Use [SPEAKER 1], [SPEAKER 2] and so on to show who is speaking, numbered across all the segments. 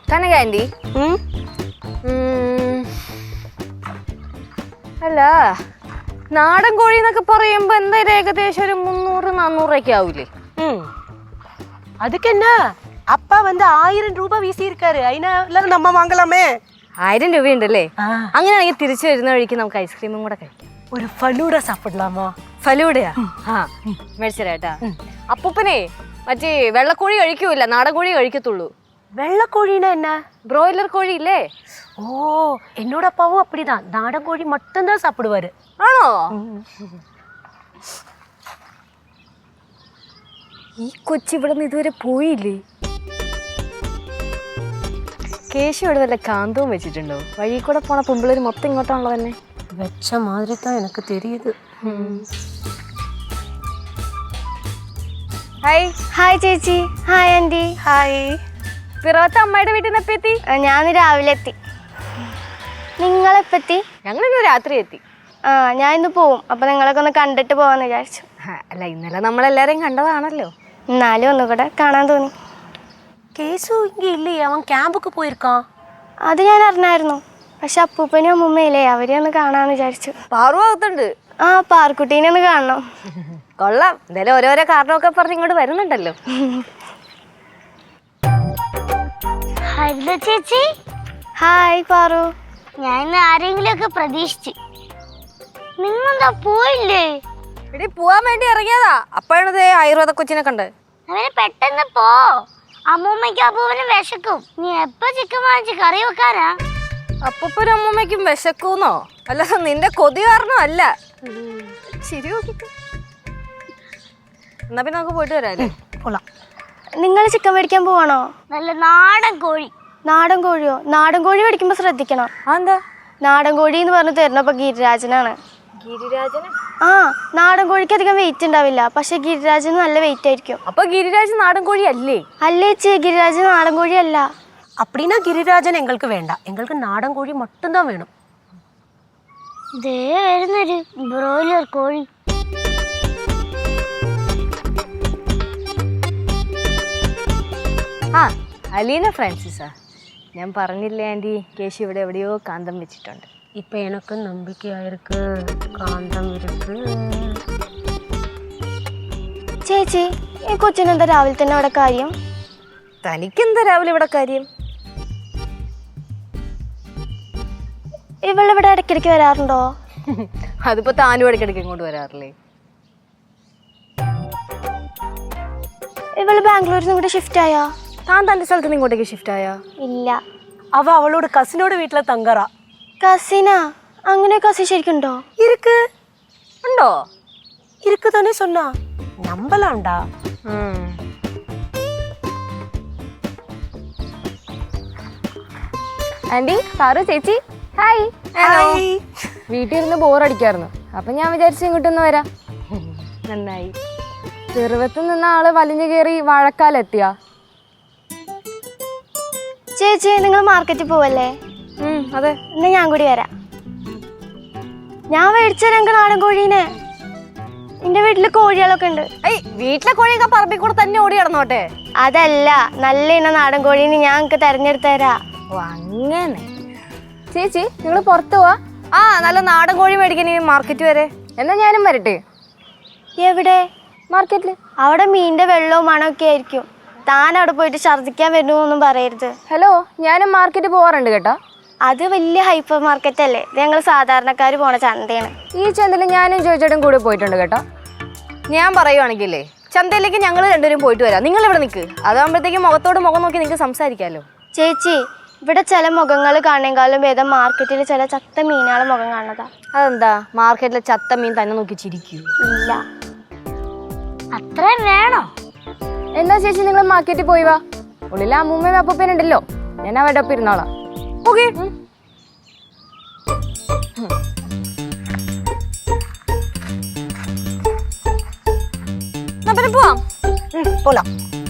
[SPEAKER 1] കനക anti, അല്ല നാടൻ കോഴി എന്നൊക്കെ പറയുമ്പോ എന്തായാലും ഏകദേശം ഒരു 300-400 ആവൂലേ?
[SPEAKER 2] அதுக்கு என்ன அப்பா வந்து 1000 ரூபாய் வீசி இருக்காரு. அதனால நம்ம வாங்கலாமே.
[SPEAKER 1] 1000 രൂപയുണ്ടല്ലേ? അങ്ങനെയാണെങ്കിൽ തിരിച്ചു വരുന്ന വഴിക്ക് നമുക്ക് ഐസ്ക്രീമും കൂടെ കഴിക്കാം.
[SPEAKER 2] ഒരു ഫലൂഡ സാപ്പിടലാമോ?
[SPEAKER 1] ഫലൂഡയാ? ആ മേടിച്ചേട്ടാ. അപ്പൂപ്പനെ മറ്റേ വെള്ളക്കോഴി കഴിക്കൂല, നാടൻ കോഴി കഴിക്കത്തുള്ളൂ.
[SPEAKER 2] വെള്ളക്കോഴിனா என்ன?
[SPEAKER 1] ബ്രോയിലർ കോഴി ഇല്ലേ?
[SPEAKER 2] ഓ, എന്നോട് അപ്പാവും அப்படிதான். നാടൻ കോഴി மட்டும் தான் சாப்பிடுவாரு.
[SPEAKER 1] ആണോ? ഈ കൊച്ചി ഇവിടെ നിന്ന് ഇതുവരെ പോയില്ലേ? കേശു ഇവിടെ വല്ല കാന്തവും വെച്ചിട്ടുണ്ടോ? വഴി കൂടെ പോണ പെമ്പിള്ളേര് മൊത്തം ഇങ്ങോട്ടാണല്ലോ തന്നെ.
[SPEAKER 2] വെച്ച മാതിരി தான் எனக்கு தெரியுது.
[SPEAKER 1] ഹായ്.
[SPEAKER 3] ഹായ് ചേച്ചി. Hi aunty.
[SPEAKER 2] ഹായ്.
[SPEAKER 1] പിറവത്തെ അമ്മയുടെ വീട്ടിൽ നിന്ന് എപ്പോ എത്തി?
[SPEAKER 3] ഞാൻ രാവിലെ എത്തി. നിങ്ങളെപ്പെത്തി?
[SPEAKER 1] ഞങ്ങളിന്ന് രാത്രി എത്തി.
[SPEAKER 3] ഞാൻ ഇന്ന് പോവും. അപ്പൊ നിങ്ങളൊക്കെ ഒന്ന് കണ്ടിട്ട് പോവാന്ന് വിചാരിച്ചു.
[SPEAKER 1] അല്ല, ഇന്നലെ നമ്മളെല്ലാരെയും കണ്ടതാണല്ലോ.
[SPEAKER 3] എന്നാലും ഒന്നുകൂടെ കാണാൻ തോന്നി.
[SPEAKER 2] കേസു ഇങ്ങ ഇല്ലേ? അവൻ ക്യാമ്പൊക്കെ പോയിരിക്കാ.
[SPEAKER 3] അത് ഞാൻ അറിഞ്ഞായിരുന്നു. പക്ഷെ അപ്പൂപ്പനും അമ്മൂമ്മയില്ലേ, അവരെ ഒന്ന് കാണാന്ന് വിചാരിച്ചു.
[SPEAKER 1] പാറുവാകത്തുണ്ട്.
[SPEAKER 3] പാർക്കുട്ടീനെ ഒന്ന് കാണണം.
[SPEAKER 1] കൊള്ളാം. എന്തായാലും ഓരോരോ കാരണമൊക്കെ പറഞ്ഞ് ഇങ്ങോട്ട് വരുന്നുണ്ടല്ലോ.
[SPEAKER 4] ഹരിത ചേച്ചി.
[SPEAKER 3] ഹായ് പാറു.
[SPEAKER 4] ഞാൻ ഇന്ന് ആരെങ്കിലും ഒക്കെ പ്രതീക്ഷിച്ചു. നിങ്ങളെന്താ പോയില്ലേ?
[SPEAKER 1] ഇവിടെ പോവാൻ വേണ്ടി ഇറങ്ങിയതാ. അപ്പോഴാണ് ആയുർവേദ കൊച്ചിനെ കണ്ട്.
[SPEAKER 4] അവന് പെട്ടെന്ന് പോ. അമ്മൂമ്മയ്ക്കും അപ്പൂപ്പനും വിശക്കും. നീ എപ്പോ ചിക്കൻ വാങ്ങിച്ച് കറി വെക്കാനാ?
[SPEAKER 1] അപ്പൂപ്പനും അമ്മൂമ്മയ്ക്കും വിശക്കൂന്നോ? അല്ല, നിന്റെ കൊതി കാരണോ? അല്ല, ശരി. നോക്കിട്ട് എന്നാ പിന്നെ നമുക്ക് പോയിട്ട് വരാല്ലേ?
[SPEAKER 2] പോലാം.
[SPEAKER 3] നിങ്ങൾ ചിക്കൻ മേടിക്കാൻ പോവാണോ?
[SPEAKER 4] നല്ല നാടൻ കോഴി.
[SPEAKER 3] നാടൻ കോഴിയോ? നാടൻ കോഴി മേടിക്കുമ്പോ ശ്രദ്ധിക്കണം.
[SPEAKER 1] എന്താ?
[SPEAKER 3] നാടൻ കോഴി എന്ന് പറഞ്ഞ് തരുന്നപ്പോ ഗിരിരാജനാണ്.
[SPEAKER 1] ഗിരിരാജന്?
[SPEAKER 3] നാടൻ കോഴിക്ക് അധികം വെയിറ്റ് ഉണ്ടാവില്ല, പക്ഷെ ഗിരിരാജന് നല്ല വെയിറ്റ് ആയിരിക്കും.
[SPEAKER 1] അപ്പൊ ഗിരിരാജൻ നാടൻ കോഴി അല്ലേ?
[SPEAKER 3] അല്ലേ ചേ, ഗിരിരാജൻ നാടൻ കോഴി അല്ല.
[SPEAKER 2] அப்படின்னா ഗിരിരാജൻ എങ്ങൾക്ക് വേണ്ട. എങ്ങൾക്ക് നാടൻ കോഴി மட்டும் தான் വേണം.
[SPEAKER 4] ദേ വരുന്നൊരു ബ്രോയിലർ കോഴി.
[SPEAKER 1] അലീന ഫ്രാൻസിസാ. ഞാൻ പറഞ്ഞില്ലേ ആന്റി, കേശു ഇവിടെ എവിടെയോ കാന്തം വെച്ചിട്ടുണ്ട്.
[SPEAKER 2] ഇപ്പൊ എനിക്ക് നമ്പിക്കയായിരിക്ക് കാന്തം ഇരിക്ക്.
[SPEAKER 3] ചേച്ചി, ഈ കൊച്ചിനെന്താ രാവിലെ തന്നെ അവിടെ കാര്യം?
[SPEAKER 1] തനിക്കെന്താ രാവിലെ ഇവിടെ കാര്യം?
[SPEAKER 3] ഇവളിവിടെ ഇടയ്ക്കിടയ്ക്ക് വരാറുണ്ടോ?
[SPEAKER 1] അതിപ്പോ താനും ഇടയ്ക്കിടയ്ക്ക് ഇങ്ങോട്ട് വരാറില്ലേ?
[SPEAKER 3] ഇവള് ബാംഗ്ലൂരിൽ നിന്ന് ഇങ്ങോട്ട് ഷിഫ്റ്റ് ആയാ?
[SPEAKER 1] താൻ തന്റെ സ്ഥലത്ത് നിന്ന് ഇങ്ങോട്ടേക്ക് ഷിഫ്റ്റ് ആയാ?
[SPEAKER 3] ഇല്ല.
[SPEAKER 2] അവ അവളോട് കസിനോട് വീട്ടിലെ തങ്കറ.
[SPEAKER 3] കസിനാ? അങ്ങനെ കസിൻ ശരിക്കുണ്ടോ?
[SPEAKER 2] ഇருக்கு.
[SPEAKER 1] ഉണ്ടോ?
[SPEAKER 2] ഇருக்கு തന്നെ சொன்னா. നമ്പലാണ്ടാ?
[SPEAKER 1] ആന്റി, സാറു, ചേച്ചി, ഹായ്. വീട്ടിൽ ഇരുന്ന് ബോറടിക്കായിരുന്നു. അപ്പൊ ഞാൻ വിചാരിച്ചു ഇങ്ങോട്ടൊന്ന് വരാം. നന്നായി. ചെറുവത്ത് നിന്ന ആള് വലിഞ്ഞു കയറി വാഴക്കാലെത്തിയാ?
[SPEAKER 3] ചേച്ചി, നിങ്ങൾ മാർക്കറ്റിൽ പോവല്ലേ?
[SPEAKER 1] അതെ.
[SPEAKER 3] എന്നാ ഞാൻ കൂടി വരാം. ഞാൻ മേടിച്ച ഞങ്ങൾക്ക് നാടൻ കോഴീനെ. എന്റെ വീട്ടില് കോഴികളൊക്കെ ഉണ്ട്.
[SPEAKER 1] വീട്ടിലെ കോഴിയൊക്കെ പറമ്പിൽ കൂടെ തന്നെ ഓടി കിടന്നോട്ടെ.
[SPEAKER 3] അതല്ല, നല്ല ഇനം നാടൻ കോഴീനെ ഞാൻ നിങ്ങൾക്ക് തെരഞ്ഞെടുത്ത് തരാം.
[SPEAKER 1] ഓ അങ്ങനെ. ചേച്ചി, നിങ്ങൾ പുറത്തു പോവാ? നല്ല നാടൻ കോഴി മേടിക്കാൻ മാർക്കറ്റ് വരെ. എന്നാ ഞാനും വരട്ടെ.
[SPEAKER 3] എവിടെ?
[SPEAKER 1] മാർക്കറ്റില്.
[SPEAKER 3] അവിടെ മീനിന്റെ വെള്ളവും മണമൊക്കെ ആയിരിക്കും. താൻ അവിടെ പോയിട്ട് ഛർദ്ദിക്കാൻ വരുന്നൊന്നും പറയരുത്.
[SPEAKER 1] ഹലോ, ഞാനും മാർക്കറ്റ് പോവാറുണ്ട് കേട്ടോ.
[SPEAKER 3] അത് വലിയ ഹൈപ്പർ മാർക്കറ്റ് അല്ലേ? ഞങ്ങൾ സാധാരണക്കാർ പോണ ചന്തയാണ്.
[SPEAKER 1] ഈ ചന്തയിൽ ഞാനും ചോദിച്ചേട്ടും കൂടെ പോയിട്ടുണ്ട് കേട്ടോ. ഞാൻ പറയുവാണെങ്കിലേ ചന്തയിലേക്ക് ഞങ്ങൾ രണ്ടുപേരും പോയിട്ട് വരാം. നിങ്ങൾ ഇവിടെ നിൽക്ക്. അതാകുമ്പോഴത്തേക്കും മുഖത്തോട് മുഖം നോക്കി നിങ്ങൾക്ക് സംസാരിക്കാമല്ലോ.
[SPEAKER 3] ചേച്ചി, ഇവിടെ ചില മുഖങ്ങൾ കാണേക്കാളും ഭേദം മാർക്കറ്റിൽ ചില ചത്ത മീനുകളെ മുഖം കാണുന്നതാ.
[SPEAKER 1] അതെന്താ? മാർക്കറ്റിലെ ചത്ത മീൻ തന്നെ നോക്കി ചിരിക്കൂ?
[SPEAKER 3] ഇല്ല.
[SPEAKER 4] അത്രയും വേണോ?
[SPEAKER 1] എന്നാ ചേച്ചി, നിങ്ങൾ മാർക്കറ്റിൽ പോയി വാ. ഉള്ളിലെ അമ്മൂമ്മയും അപ്പൂപ്പനുണ്ടല്ലോ, ഞാൻ അവരുടെ ഒപ്പം ഇരുന്നോളാം. ഓക്കെ. പോവാം.
[SPEAKER 2] പോലാം.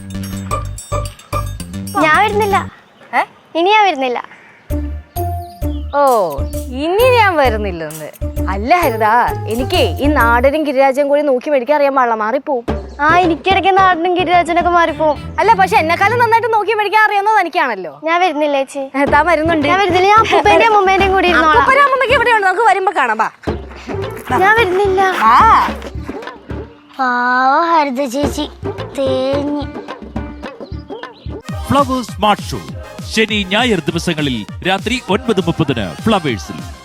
[SPEAKER 3] ഞാൻ വരുന്നില്ല. ഇനി ഞാൻ വരുന്നില്ല.
[SPEAKER 1] ഓ, ഇനി ഞാൻ വരുന്നില്ലെന്ന്? അല്ല ഹരിത, എനിക്ക് ഈ നാടനും ഗിരിരാജനും കൂടി നോക്കി മേടിക്കാൻ അറിയാൻ പാടില്ല, മാറിപ്പോവും.
[SPEAKER 3] ആ എനിക്കിടയ്ക്ക് നാടിനും ഗിരിരാജനൊക്കെ മാറിപ്പോവും.
[SPEAKER 1] അല്ല പക്ഷെ എന്നെക്കാളും നന്നായിട്ട് നോക്കി മേടിക്കാൻ അറിയാവുന്നത് എനിക്കാണല്ലോ.
[SPEAKER 3] ഞാൻ വരുന്നില്ല ചേച്ചി.
[SPEAKER 1] താൻ വരുന്നുണ്ട്.
[SPEAKER 3] ഞാൻ വരുന്നില്ല. ഞാൻ അപ്പൂപ്പന്റെയും അമ്മൂമ്മേന്റെയും കൂടി ഇരുന്നോളാം.
[SPEAKER 1] അമ്മമ്മക്ക് എവിടെയുണ്ട്? നമുക്ക് വരുമ്പോ കാണാം. ബാ.
[SPEAKER 3] ഞാൻ വരുന്നില്ല.
[SPEAKER 4] പാവ ഹരിത ചേച്ചി തേഞ്ഞ്.
[SPEAKER 5] ഫ്ലവേഴ്സ് സ്മാർട്ട് ഷോ ശനി ഞായർ ദിവസങ്ങളിൽ രാത്രി 9:30 ഫ്ലവേഴ്സിൽ.